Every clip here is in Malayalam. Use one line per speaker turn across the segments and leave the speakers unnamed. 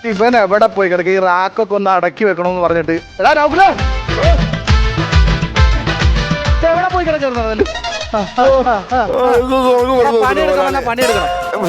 ഇവൻ എവിടെ പോയി കിടക്ക? ഈ റാക്കൊക്കെ ഒന്ന് അടക്കി വെക്കണമെന്ന് പറഞ്ഞിട്ട് എവിടെ പോയി കിടക്കുന്നത്? പണിയെടുക്കണം.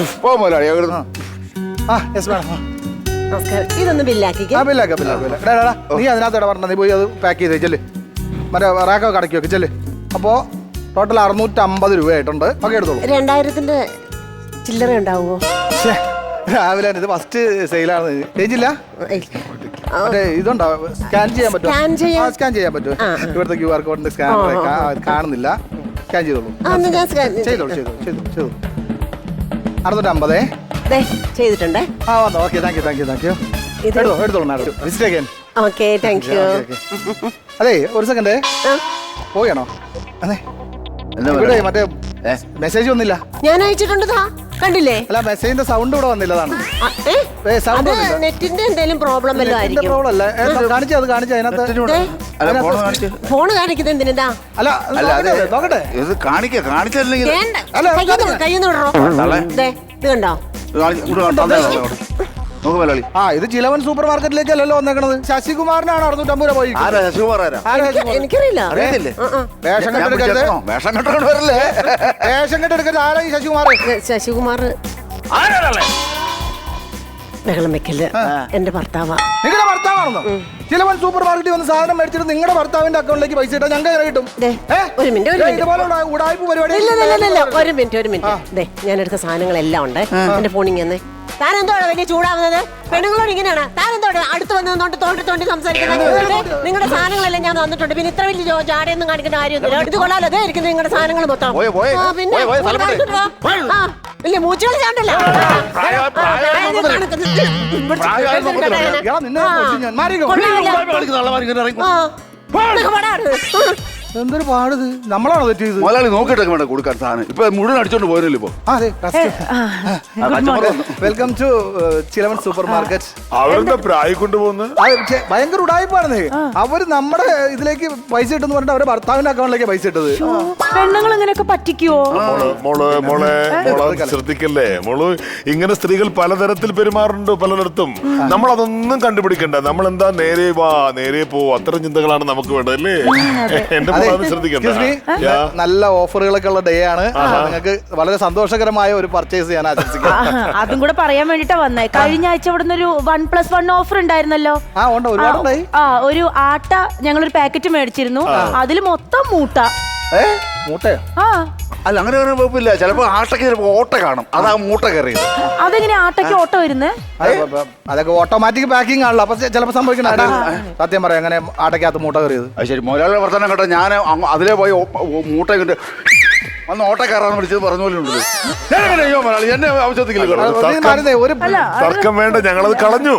ഇതൊന്ന് ബില്ലാക്കിക്കോ.
നീ അതിനകത്ത് ഇടപെടണം. നീ പോയി അത് പാക്ക് ചെയ്തേ ചെല്ല്. മറ്റേ റാക്കൊക്കെ അടക്കി വെക്ക് ചെല്ല്. അപ്പോ ടോട്ടൽ 650 രൂപയായിട്ടുണ്ട്. ഒക്കെ എടുത്തോളൂ.
2000-ന്റെ ചില്ലറ ഉണ്ടാവുമോ?
രാവിലെ ഇത് ഫസ്റ്റ് സെയിലാണ്. ചേഞ്ചില്ല? ഇതുണ്ടോ? സ്കാൻ ചെയ്യാൻ പറ്റുമോ? സ്കാൻ ചെയ്യാൻ പറ്റുമോ? ഇവിടുത്തെ QR കോഡിന്റെ സ്കാൻ കാണുന്നില്ല. സ്കാൻ ചെയ്തോളൂ. ചെയ്തോളൂ. 650
ചെയ്തിട്ടുണ്ടേ.
വന്നോ. Okay, thank you. എടുത്തോളൂ madam. Visit again.
Okay, thank you.
അതെ, ഒരു സെക്കൻഡ്. പോയാണോ? അതെ, ഇവിടെ മറ്റേ മെസ്സേജ് വന്നില്ല.
ഞാൻ അയച്ചിട്ടുണ്ട്, കണ്ടില്ലേ?
അല്ല, മെസ്സേജിന്റെ സൗണ്ട് ഇവിടെ വന്നില്ല.
നെറ്റിന്റെ എന്തെങ്കിലും പ്രോബ്ലം വല്ലതും ആയിരിക്കും.
പ്രോബ്ലം അല്ല. കാണിച്ചു അതിനകത്ത്
ഫോൺ കാണിക്കുന്നത് എന്തിനാ?
അല്ല, നോക്കട്ടെ.
ഇത് കാണിച്ചില്ലെങ്കിൽ
കയ്യൊന്ന് വിടറോ. ഇത് കണ്ടോ?
ഇത് ചിലവൻ സൂപ്പർ മാർക്കറ്റിലേക്കല്ലോ വന്നേക്കണത്. ശശികുമാറിനാണ് 650 രൂപ പോയി.
എനിക്കറിയില്ല.
വേഷം കെട്ടെടുക്കരുത്. ആരാ ഈ ശശികുമാർ?
ശശികുമാർ ബഹളം വെക്കല്. എന്റെ ഭർത്താവാ.
നിങ്ങളുടെ ഭർത്താവാണെന്നോ? ചിലവൻ സൂപ്പർ മാർക്കറ്റിൽ വന്ന് സാധനം മേടിച്ചിട്ട് നിങ്ങളുടെ ഭർത്താവിന്റെ അക്കൗണ്ടിലേക്ക് പൈസ ഇട്ടാ ഞങ്ങൾ കിട്ടും.
ഒരു മിനിറ്റ്.
ഉടായ്പ പരിപാടി.
ഒരു മിനിറ്റ്. ഞാൻ എടുത്ത സാധനങ്ങളെല്ലാം ഉണ്ട്. എന്റെ ഫോണിൽ തന്നെ. താൻ എന്തോടാ വലിയ ചൂടാവുന്നത്? പെണ്ണുങ്ങളോട് ഇങ്ങനെയാണ്. താൻ എന്തോടാ അടുത്ത് വന്ന് തോണ്ടി സംസാരിക്കുന്നത്? നിങ്ങളുടെ സാധനങ്ങളെല്ലാം ഞാൻ തന്നിട്ടുണ്ട്. പിന്നെ ഇത്ര വലിയ ജാടയൊന്നും കാണിക്കേണ്ട കാര്യമൊന്നുമില്ല. എടുത്ത് കൊള്ളാലോ. അതേ ഇരിക്കുന്നത് നിങ്ങളുടെ സാധനങ്ങൾ മൊത്തം. പിന്നെ ഇല്ല, മൂച്ചുകൾ ചാണ്ടല്ലോ.
എന്തൊരു പാടിത്. നമ്മളാണോ തെറ്റിയത്?
മുതലാളി നോക്കിയിട്ടൊക്കെ വേണ്ട കൊടുക്കാൻ സാധനം. ഇപ്പൊ മുഴുവൻ അടിച്ചോണ്ട് പോയല്ലോ. ഇപ്പൊ
വെൽക്കം ടു ചിലവൻ സൂപ്പർ മാർക്കറ്റ്.
അവരുടെ പ്രായം കൊണ്ടുപോകുന്നു.
ഭയങ്കര ഉടായ്പാണ്. അവര് നമ്മുടെ ഇതിലേക്ക് പൈസ ഇട്ടെന്ന് പറഞ്ഞിട്ട് അവരുടെ ഭർത്താവിന്റെ അക്കൗണ്ടിലേക്ക് പൈസ ഇട്ടത്.
പെണ്ണുങ്ങൾ ഇങ്ങനെയൊക്കെ പറ്റിക്കുവോ?
മോളെ ശ്രദ്ധിക്കല്ലേ മോള്. ഇങ്ങനെ സ്ത്രീകൾ പലതരത്തിൽ പെരുമാറുന്നുണ്ട് പലയിടത്തും. നമ്മൾ അതൊന്നും കണ്ടുപിടിക്കണ്ട. നമ്മൾ എന്താ നേരെ വാ നേരെ പോ, അത്തരം ചിന്തകളാണ് നമുക്ക് വേണ്ടതല്ലേ. എന്റെ
നല്ല ഓഫറുകളൊക്കെ ഉള്ള ഡേ ആണ്. നിങ്ങൾക്ക് വളരെ സന്തോഷകരമായ ഒരു പർച്ചേസ് ചെയ്യാൻ ആശംസിക്കാം.
അതും കൂടെ പറയാൻ വേണ്ടിട്ടാ വന്നേ. കഴിഞ്ഞ ആഴ്ച ഇവിടുന്ന് ഒരു 1+1 ഓഫർ ഉണ്ടായിരുന്നല്ലോ. ഒരു ആട്ട ഞങ്ങളൊരു പാക്കറ്റ് മേടിച്ചിരുന്നു. അതില് മൊത്തം മൂട്ട.
മൂട്ടയോ?
അല്ല, അങ്ങനെ കുഴപ്പമില്ല. ചിലപ്പോ ആട്ടയ്ക്ക് ചിലപ്പോ ഓട്ട കാണും. അതാ മൂട്ട കയറിയത്.
അതെങ്ങനെ ആട്ടയ്ക്ക് ഓട്ട വരുന്നത്?
അതൊക്കെ ഓട്ടോമാറ്റിക് പാക്കിംഗ് ആണല്ലോ. അപ്പൊ ചിലപ്പോ സംഭവിക്കണ. സത്യം പറയാം, അങ്ങനെ ആട്ടയ്ക്കകത്ത് മൂട്ട കയറിയത്.
അത് ശരി. മുതലാളിയുടെ വർത്തമാനം കേട്ടോ. ഞാൻ അതിലേ പോയി മൂട്ട കണ്ട് അന്ന് ഓട്ട കയറാന്ന് വിളിച്ചത് പറഞ്ഞ പോലെ ഉണ്ട്. എന്നെ ആവശ്യത്തിക്കില്ല.
തർക്കം വേണ്ട, ഞങ്ങളത് കളഞ്ഞു.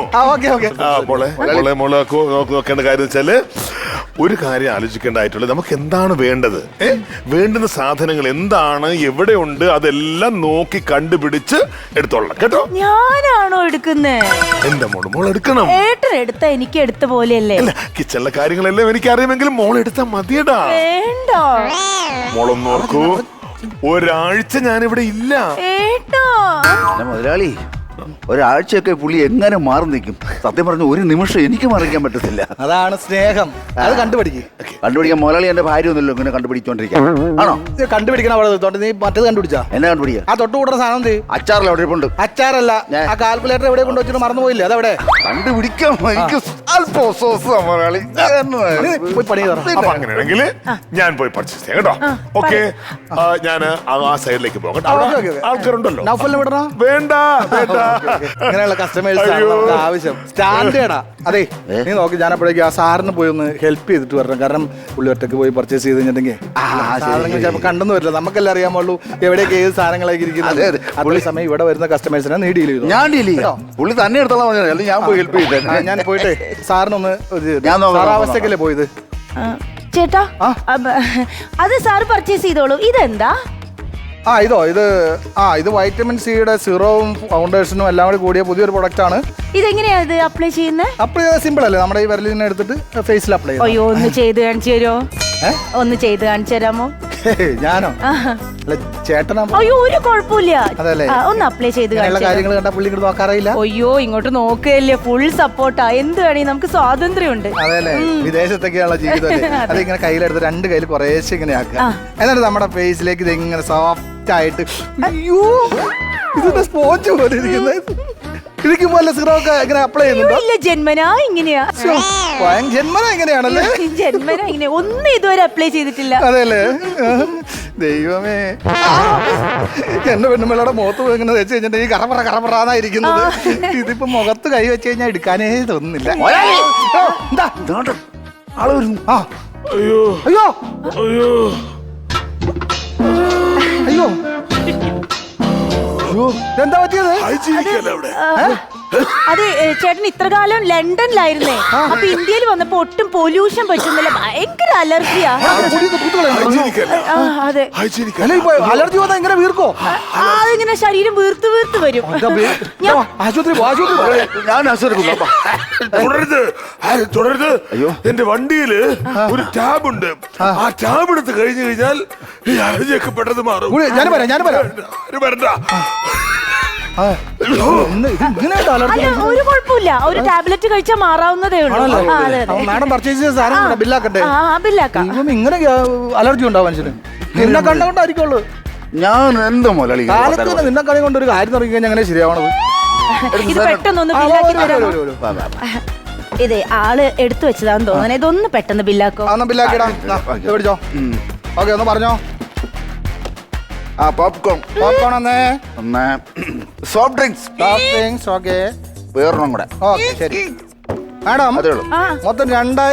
നോക്കേണ്ട കാര്യം വെച്ചാല് ഒരു കാര്യം ആലോചിക്കേണ്ടതായിട്ടുള്ളത് നമുക്ക് എന്താണ് വേണ്ടത്. വേണ്ടുന്ന സാധനങ്ങൾ എന്താണ്, എവിടെയുണ്ട്, അതെല്ലാം നോക്കി കണ്ടുപിടിച്ച് എടുത്തോളാം കേട്ടോ.
ഞാനാണോ എടുക്കുന്നേ?
എന്റെ മോൾ എടുക്കണം.
ഏട്ടൻ എടുത്ത എനിക്ക് എടുത്ത പോലെയല്ലേ?
അല്ല, കിച്ചണിലെ കാര്യങ്ങളെല്ലാം എനിക്ക് അറിയുമെങ്കിലും മോൾ എടുത്താൽ മതിയടാ.
വേണ്ട,
മോളൊന്ന് നോക്കൂ. ഒരാഴ്ച ഞാനിവിടെ ഇല്ല.
മുതലാളി, ഒരാഴ്ചയൊക്കെ പുള്ളി എങ്ങനെ മാറി നിൽക്കും? സത്യം പറഞ്ഞ ഒരു നിമിഷം എനിക്ക് മറിക്കാൻ പറ്റത്തില്ല.
അതാണ് സ്നേഹം. അത് കണ്ടുപിടിക്കാൻ
മുതലാളി എന്റെ ഭാര്യ ഒന്നുമല്ലോ ഇങ്ങനെ കണ്ടുപിടിച്ചോണ്ടിരിക്കാൻ. ആണോ?
കണ്ടുപിടിക്കണം. അവിടെ നീ മറ്റേത് കണ്ടുപിടിച്ചാ?
എന്നെ കണ്ടുപിടിക്കുക.
ആ തൊട്ട് കൂട്ടുന്ന സാധനം
അച്ചാറിൽ എവിടെ ഉണ്ട്?
അച്ചാറല്ല, ആ കാൽക്കുലേറ്റർ എവിടെ കൊണ്ട് വെച്ചിട്ട് മറന്നുപോയില്ലേ? അതെവിടെ?
കണ്ടുപിടിക്കാം. എനിക്ക് മുതലാളി
അങ്ങനെയാണെങ്കിൽ ഞാൻ പോയി പർച്ചേസ് ചെയ്യാം കേട്ടോ. ഓക്കെ, ഞാൻ ആ സൈഡിലേക്ക് പോകട്ടെ. ആൾക്കാരുണ്ടല്ലോ. വേണ്ട
ഇങ്ങനെയുള്ള കസ്റ്റമേഴ്സ് ആവശ്യം. സ്റ്റാൻഡേർഡാ. അതെ, നീ നോക്കി. ഞാൻ അപ്പോഴേക്കും ആ സാറിന് പോയി ഒന്ന് ഹെൽപ്പ് ചെയ്തിട്ട് വരണം. കാരണം പുള്ളി ഒറ്റക്ക് പോയി പർച്ചേസ് ചെയ്ത് കഴിഞ്ഞിട്ടുണ്ടെങ്കിൽ സാധനങ്ങൾ ചിലപ്പോൾ കണ്ടെന്ന് വരില്ല. നമുക്കെല്ലാം അറിയാമുള്ളൂ എവിടെയൊക്കെ ഏത് സാധനങ്ങളായിരിക്കും ഇരിക്കുന്നത്. അതേ സമയം ഇവിടെ വരുന്ന കസ്റ്റമേഴ്സിനെ നീ ഡീൽ ചെയ്തു.
ഞാൻ ഡീൽ ചെയ്യാം. പുള്ളി തന്നെ എടുത്തോളാം. ഞാൻ പോയി ഹെൽപ്പ് ചെയ്തേ.
ഞാൻ പോയിട്ട് സാറിനൊന്ന് അവസ്ഥക്കല്ലേ പോയത്.
ചേട്ടാ, അത് സാറ് പർച്ചേസ് ചെയ്തോളൂ. ഇതെന്താ?
ഇത് വൈറ്റമിൻ സിയുടെ സിറവും ഫൗണ്ടേഷനും എല്ലാം കൂടി കൂടിയ പുതിയൊരു പ്രൊഡക്റ്റ് ആണ്.
ഇതെങ്ങനെയാ ഇത് അപ്ലൈ ചെയ്യുന്നത്?
അപ്ലൈ ചെയ്താൽ സിമ്പിൾ അല്ലേ? നമ്മുടെ ഈ വിരലിനെ എടുത്തിട്ട് ഫേസിൽ അപ്ലൈ ചെയ്യാം.
അയ്യോ, ഒന്ന് ചെയ്ത് കാണിച്ചു തരുമോ? ഒന്ന് ചെയ്ത് കാണിച്ചു തരാമോ?
ഞാനോ അല്ല ചേട്ടനാ
അയ്യോ ഒരു കുഴപ്പമില്ല.
അതല്ലേ?
ഒന്ന് അപ്ലൈ ചെയ്ത്
അങ്ങനെയുള്ള കാര്യങ്ങൾ കണ്ടാ പുള്ളി ഇങ്ങോട്ട് നോക്കാറില്ല.
അയ്യോ ഇങ്ങോട്ട് നോക്കുകയല്ലേ, ഫുൾ സപ്പോർട്ടാ. എന്ത് വേണേ നമുക്ക് സ്വാതന്ത്ര്യമുണ്ട്.
അതെല്ലേ, വിദേശത്തൊക്കെയുള്ള ജീവിതം. അതിങ്ങനെ കയ്യിലെടുത്ത് രണ്ട് കയ്യിൽ കുറേശ്ശെ ഇങ്ങനെ ആക്കുക. എന്നിട്ട് നമ്മുടെ ഫേസിലേക്ക് ഇത് ഇങ്ങനെ സോഫ്റ്റ് ആയിട്ട്, അയ്യോ ഇതിന്റെ സ്പോഞ്ച് പോലെ ഇരിക്കുന്നത്. ഇരിക്കുമ്പോ സിറോ ഒക്കെ ഇങ്ങനെ അപ്ലൈ ചെയ്യുന്നുണ്ടോ?
ഇല്ല, ജന്മനാ ഇങ്ങനെയാ.
ജന്മന എങ്ങനെയാണല്ലേ?
ജന്മനാ ഇങ്ങനെ ഒന്നും ഇതുവരെ അപ്ലൈ ചെയ്തിട്ടില്ല.
അതെല്ലേ, ദൈവമേ. എന്റെ പെണ്ണുമ്പിള്ളയുടെ മുഖത്ത് ഇങ്ങനെ വെച്ച് കഴിഞ്ഞിട്ടുണ്ടെങ്കിൽ കറപറാന്നായിരിക്കുന്നത്. ഇതിപ്പോ മുഖത്ത് കൈ വെച്ച് കഴിഞ്ഞാൽ എടുക്കാനേ തോന്നുന്നില്ല. എന്താ ആള് വരുന്നു? ആ
അയ്യോ
അയ്യോ
അയ്യോ
അയ്യോ എന്താ പറ്റിയത്?
അത് ചേട്ടൻ ഇത്ര കാലം ലണ്ടനിലായിരുന്നേ. അപ്പൊ ഇന്ത്യയിൽ വന്നപ്പോ ഒട്ടും പൊല്യൂഷൻ പറ്റുന്നില്ല, ഭയങ്കര അലർജിയാ. അതെ,
അലർജി വന്നാൽ ഇങ്ങനെ വീർക്കോ?
അതിങ്ങനെ ശരീരം വീർത്ത് വീർത്ത് വരും.
ആശുപത്രി
ഞാൻ ആശുപത്രി
തുടരുത്. അയ്യോ, എന്റെ വണ്ടിയില് ഒരു ടാബ് ഉണ്ട്. ആ ടാബ് എടുത്ത് കഴിഞ്ഞു കഴിഞ്ഞാൽ ഈ അലർജിയൊക്കെ പെട്ടെന്ന് മാറും.
ഞാൻ
വരണ്ട.
ഒരു കുഴപ്പമില്ല, ഒരു ടാബ്ലറ്റ് കഴിച്ചാൽ മാറാവുന്നതേ ഉള്ളൂ.
മാഡം പർച്ചേസ് ചെയ്ത സാധനം ബില്ലാക്കട്ടെ.
ബില്ലാക്കാം.
ഇങ്ങനെ അലർജി ഉണ്ടാവും മനുഷ്യന്. നിന്നെ കണ്ടുകൊണ്ടായിരിക്കുള്ളൂ.
ഞാൻ എന്താ മുതലാളി
കാലത്ത് നിന്നെ കളി കൊണ്ട് ഒരു കാര്യം തുടങ്ങി കഴിഞ്ഞാൽ അങ്ങനെ ശരിയാവണത്.
ഇത് പെട്ടെന്നൊന്ന് ബില്ലാക്കി തരാമോ? ഇതേ ആള് എടുത്തു വെച്ചതാന്ന് തോന്നുന്നു. ഇതൊന്ന് പെട്ടെന്ന് ബില്ലാക്കോ?
ബില്ലാക്കിടാ, പിടിച്ചോ. ഓക്കെ, ഒന്ന് പറഞ്ഞോ.
പോപ്കോൺ ഒന്ന് സോഫ്റ്റ് ഡ്രിങ്ക്സ്
ഓക്കെ,
വേറൊന്നും കൂടെ.
ഓക്കെ ശരി മാഡം. മൊത്തം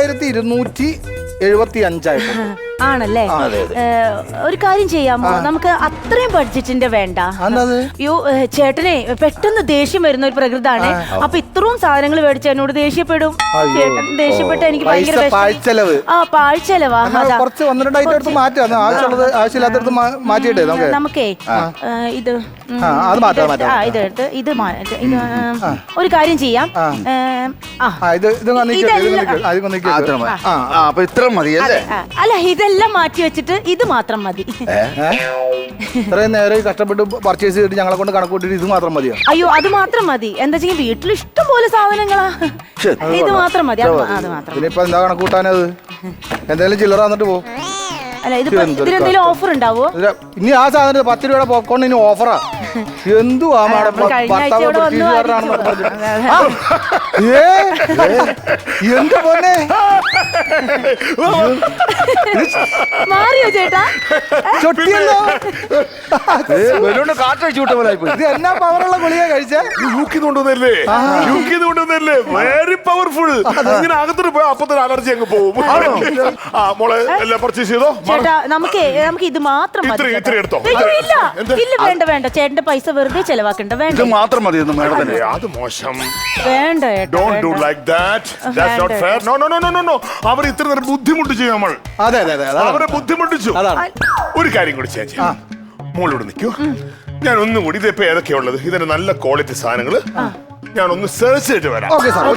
2275
ആണല്ലേ? ഒരു കാര്യം ചെയ്യാമോ? നമുക്ക് അത്രയും ബഡ്ജറ്റിന്റെ വേണ്ട. അയ്യോ ചേട്ടനെ പെട്ടെന്ന് ദേഷ്യം വരുന്ന ഒരു പ്രകൃതാണ്. അപ്പൊ ഇത്രയും സാധനങ്ങൾ മേടിച്ച എന്നോട് ദേഷ്യപ്പെടും. ചേട്ടൻ ദേഷ്യപ്പെട്ട എനിക്ക് ഭയങ്കര
പാഴ്ചെലവ്.
പാഴ്ചെലവാ.
കുറച്ച് 1-2 ഐറ്റം എടുത്ത് മാറ്റാം. ആവശ്യമുള്ളത് ആവശ്യമില്ലാത്തടുത്ത് മാറ്റിയിട്ടേ
നമുക്കേ ഇത് ഇതെടുത്ത് ഇത് ഒരു കാര്യം ചെയ്യാം. അല്ല, ഇതെല്ലാം മാറ്റി വെച്ചിട്ട് ഇത് മാത്രം മതി.
ഇത്രയും നേരം കഷ്ടപ്പെട്ട് പർച്ചേസ് ചെയ്തിട്ട് ഞങ്ങളെ കൊണ്ട് കണക്കൂട്ടിട്ട് ഇത് മാത്രം മതിയോ?
അയ്യോ, അത് മാത്രം മതി. എന്താ വെച്ചാൽ വീട്ടിൽ ഇഷ്ടം പോലെ സാധനങ്ങളാ. ഇത് മാത്രം മതി. അത് മാത്രം.
ഇനിയിപ്പോ എന്താ കണക്കൂട്ടാനത്? എന്തായാലും ചില്ലറ വന്നിട്ട് പോ.
അല്ല, ഇതിലെന്തെങ്കിലും ഓഫർ ഉണ്ടാവോ?
ഇനി ആ സാധനം 10 രൂപയുടെ പോപ്കോൺ ഇനി ഓഫറാ. എന്തുവാ മാഡം, എന്ത് പോന്നെ
മാറിയോ ചേട്ടാ?
ചൊട്ടിയല്ലോ.
കാറ്റടിച്ചു വിട്ട പോലെ
ഇത് എന്നാ പവറുള്ള ഗുളിക കഴിച്ചേ?
കൊണ്ടുവന്നല്ലേ വെരി പവർഫുൾ. ഇങ്ങനെ അകത്തോട്ട് പോയാൽ അപ്പൊ തന്നെ അലർജി അങ്ങ് പോകും. മോളെ എല്ലാം പർച്ചേസ് ചെയ്തോ?
ചേട്ടാ നമുക്ക് ഇത് മാത്രം മതി.
എടുത്തോ.
ഇല്ല, വേണ്ട വേണ്ട, ചേട്ടന്റെ പൈസ വെറുതെ ചെലവാക്കണ്ട. വേണ്ട,
ഇത് മാത്രം മതി.
അത് മോശം.
വേണ്ട.
Don't do like that. That's not fair. No. അവർ ഇത്ര നേരം ബുദ്ധിമുട്ട് ചെയ്യും നമ്മൾ.
അതെ
അവരെ ബുദ്ധിമുട്ടിച്ചു. ഒരു കാര്യം കൂടി ചേച്ചി, മോളോട് നിൽക്കൂ. ഞാൻ ഒന്നും കൂടി ഇതിപ്പോ ഏതൊക്കെയുള്ളത് ഇതിന്റെ നല്ല ക്വാളിറ്റി സാധനങ്ങള് ഞാൻ ഒന്ന് സെർച്ച് ചെയ്തിട്ട് വരാം.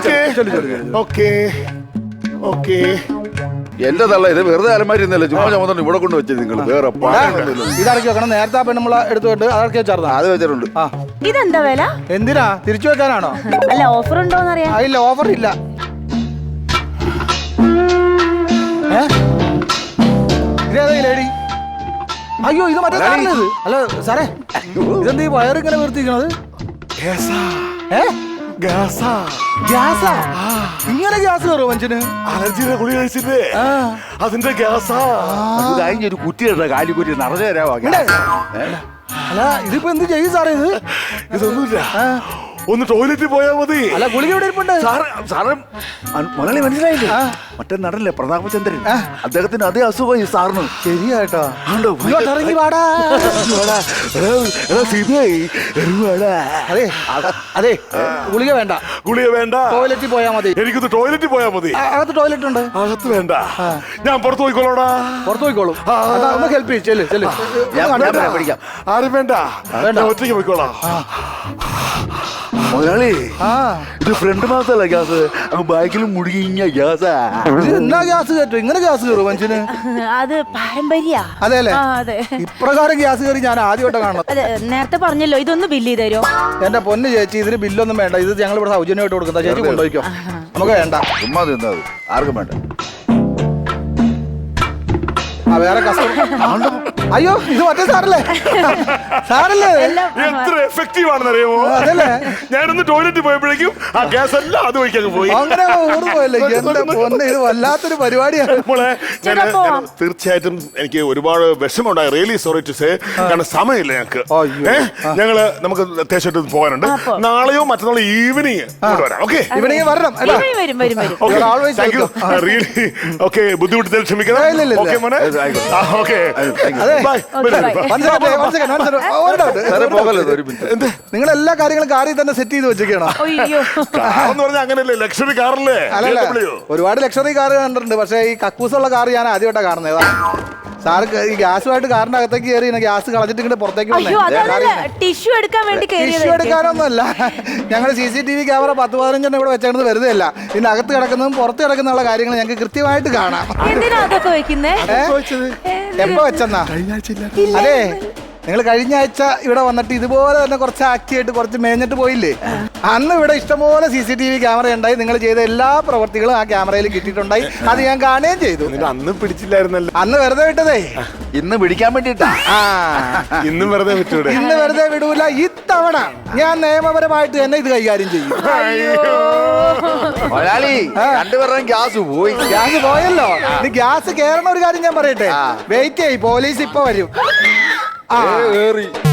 ഓക്കെ.
എന്റെ തള്ള ഇത് വെറുതെ അലമാരി ചുമ്മാ ചുമത്തോണ്ട് ഇവിടെ കൊണ്ട് വെച്ചത് നിങ്ങൾ. വേറെ
ഇതടക്കി വെക്കണം. നേരത്തെ ആ പെണ്ണുമ്പള എടുത്തുകൊണ്ട് അതൊക്കെ വെച്ചാർന്നു.
അത് വെച്ചിട്ടുണ്ട്.
ഇതെന്താ വില?
എന്തിനാ തിരിച്ചു വെക്കാനാണോ?
അല്ല, ഓഫർ ഉണ്ടോന്ന് അറിയാം.
ഇല്ല, ഓഫർ ഇല്ല. ലേഡി, അയ്യോ ഇത് മറ്റേ സാധനം. അല്ല സാറേ, ഇതെന്താ ഈ വയറിങ്ങനെ വീർത്തിരിക്കണത്? ഇങ്ങനെ ഗ്യാസ് കയറുമോ മനുഷ്യന്?
അലർജിയുടെ ഗുളി കഴിച്ചില്ലേ? അതിന്റെ ഗ്യാസാ.
ഒരു കുറ്റിയുടെ കാലിക്കുറ്റി നിറഞ്ഞു തരാമോ?
അല്ല, ഇതിപ്പോ എന്ത് ചെയ്യും സാറേ?
ഇതൊന്നുമില്ല, ഒന്ന് ടോയ്ലറ്റിൽ പോയാൽ മതി.
അല്ല, ഗുളിക എവിടെ ഇരിപ്പുണ്ട്?
സാറ് മുതലാളി മനസ്സിലായില്ലേ? മറ്റേ നടല്ലേ പ്രതാപചന്ദ്രൻ, അദ്ദേഹത്തിന് അതേ അസുഖം ഈ സാറിന്.
ശരിയാട്ടോ. ഇറങ്ങി വാടാ. അതെ, ഗുളിക വേണ്ട. ടോയ്ലറ്റിൽ പോയാ മതി.
എനിക്കൊന്ന് ടോയ്ലറ്റിൽ പോയാ മതി.
അകത്ത് ടോയ്ലറ്റ് ഉണ്ട്.
അകത്ത് വേണ്ട, ഞാൻ പുറത്ത് പോയിക്കോളൂടാ.
പുറത്ത് പോയിക്കോളും. ഒന്ന് ഹെൽപ്പ് ചെയ്യും.
ആരും
വേണ്ട, ഒറ്റയ്ക്ക് പോയിക്കോളാം.
മുതലാളി
ആ
ഇത് ഫ്രണ്ട് മാത്രല്ല ഗ്യാസ് അങ്ങ് ബാക്കിലും മുഴുകിഞ്ഞ ഗ്യാസാ.
ഇത് എന്നാ ഗ്യാസ് കയറ്റും ഇങ്ങനെ ഗ്യാസ് കയറും മനുഷ്യന്?
അത് പാരമ്പര്യ.
അതെ അല്ലേ?
അതെ.
ഇപ്രകാരം ഗ്യാസ് കയറി ഞാൻ ആദ്യമായിട്ട് കാണണം.
അതെ, നേരത്തെ പറഞ്ഞല്ലോ ഇതൊന്ന് ബില്ല് ചെയ്ത് തരുമോ?
എന്റെ പൊന്ന് ചേച്ചി, ഇതിന് ബില്ലൊന്നും വേണ്ട. ഇത് ഞങ്ങൾ ഇവിടെ സൗജന്യമായിട്ട് കൊടുക്കുന്ന. ചേച്ചി കൊണ്ടുപോയിക്കോ, നമുക്ക് വേണ്ട.
ചുമ്മാ തിന്നത് ആർക്കും വേണ്ട.
ആ വേറെ കസ്റ്റമർ. അയ്യോ ഇത് മറ്റേ സാറല്ലേ? സാറല്ലേ?
എത്ര എഫക്റ്റീവ് ആണെന്ന് അറിയാമോ?
അതല്ലേ?
ഞാനൊന്ന് ടോയ്ലറ്റിൽ പോയപ്പോഴേക്കും ആ ഗ്യാസ് എല്ലാം അത് വഴിക്കങ്ങ് പോയി.
അങ്ങനെ ഓർമ്മയല്ലേ? എന്റെ പൊന്ന്, ഇത് വല്ലാത്തൊരു പരിപാടിയാണ്.
മോളെ
ചേട്ടാ, പോവാം.
തീർച്ചയായിട്ടും എനിക്ക് ഒരുപാട് വിഷമമുണ്ടായി. Really sorry to say. കാരണം സമയമില്ല ഞങ്ങൾക്ക്.
അയ്യോ.
ഞങ്ങള് നമുക്ക് അത്യാവശ്യമായിട്ട് പോകാനുണ്ട്. നാളെയോ മറ്റന്നാളോ ഈവനിങ് വരാം. ഓക്കെ,
ഇവിടെ വരണം കേട്ടോ.
വരും വരും വരും.
You're always welcome.
Really okay. ബുദ്ധിമുട്ടിച്ചാൽ ക്ഷമിക്കണം.
ഇല്ല, ഇല്ല, ഇല്ല.
ഓക്കെ മോനെ. ഓക്കെ,
അതെ.
ബൈ.
സാറേ പോകല്ലോ ഒരു മിനിറ്റ്.
നിങ്ങൾ എല്ലാ കാര്യങ്ങളും കാറിൽ തന്നെ സെറ്റ് ചെയ്ത് വെച്ചേക്കണോ?
അയ്യോ.
കാറെന്ന് പറഞ്ഞാൽ അങ്ങനെയല്ലേ, ലക്ഷറി കാറല്ലേ?
അല്ലല്ല,
BMW.
ഒരുപാട് ലക്ഷറി കാർ കണ്ടിട്ടുണ്ട്. പക്ഷേ ഈ കക്കൂസുള്ള കാർ ഞാൻ ആദ്യമായിട്ടാണ് കാണുന്നത്. സാറ് ഈ ഗ്യാസുമായിട്ട് കാറിന്റെ അകത്തേക്ക് കയറി ഗ്യാസ് കളഞ്ഞിട്ട് ഇങ്ങനെ പുറത്തേക്ക്
അയ്യോ, അതല്ല ടിഷ്യൂ എടുക്കാൻ വേണ്ടി
ടിഷ്യൂ
കയറിയത്.
എടുക്കാനൊന്നുമല്ല. ഞങ്ങൾ CCTV ക്യാമറ 10-15 ഇവിടെ വെച്ചേക്കുന്നത് വെറുതെ അല്ല. ഇതിന്റെ അകത്ത് കിടക്കുന്നതും പുറത്ത് കിടക്കുന്ന കാര്യങ്ങൾ ഞങ്ങൾക്ക് കൃത്യമായിട്ട് കാണാം.
എന്തിനാ അതൊക്കെ വെക്കുന്നേ?
എപ്പോ വെച്ചെന്നാ? അതെ, നിങ്ങൾ കഴിഞ്ഞ ആഴ്ച ഇവിടെ വന്നിട്ട് ഇതുപോലെ തന്നെ കുറച്ച് ആക്ടിയായിട്ട് കുറച്ച് മേഞ്ഞിട്ട് പോയില്ലേ? അന്ന് ഇവിടെ ഇഷ്ടംപോലെ CCTV ക്യാമറ ഉണ്ടായി. നിങ്ങൾ ചെയ്ത എല്ലാ പ്രവർത്തികളും ആ ക്യാമറയിൽ കിട്ടിയിട്ടുണ്ടായി. അത് ഞാൻ കാണുകയും ചെയ്തു.
നിന്നെ അന്ന് പിടിച്ചില്ലായിരുന്നല്ലോ.
അന്ന് വെറുതെ വിട്ടതേ.
ഇന്ന് പിടിക്കാൻ വേണ്ടിട്ടാ.
ആ
ഇന്നും വെറുതെ വിട്ടൂടെ?
ഇന്ന് വെറുതെ വിടൂല. ഇത്തവണ ഞാൻ നിയമപരമായിട്ട് തന്നെ ഇത് കൈകാര്യം ചെയ്യും.
മുതലാളി രണ്ടുപേരുടെയും ഗ്യാസ് പോയി.
ഗ്യാസ് പോയല്ലോ. ഇനി ഗ്യാസ് കേറണ ഒരു കാര്യം ഞാൻ പറയട്ടെ. വെയിറ്റ് ചെയ്യ്, പോലീസ് ഇപ്പൊ വരും. ആ
ഏറി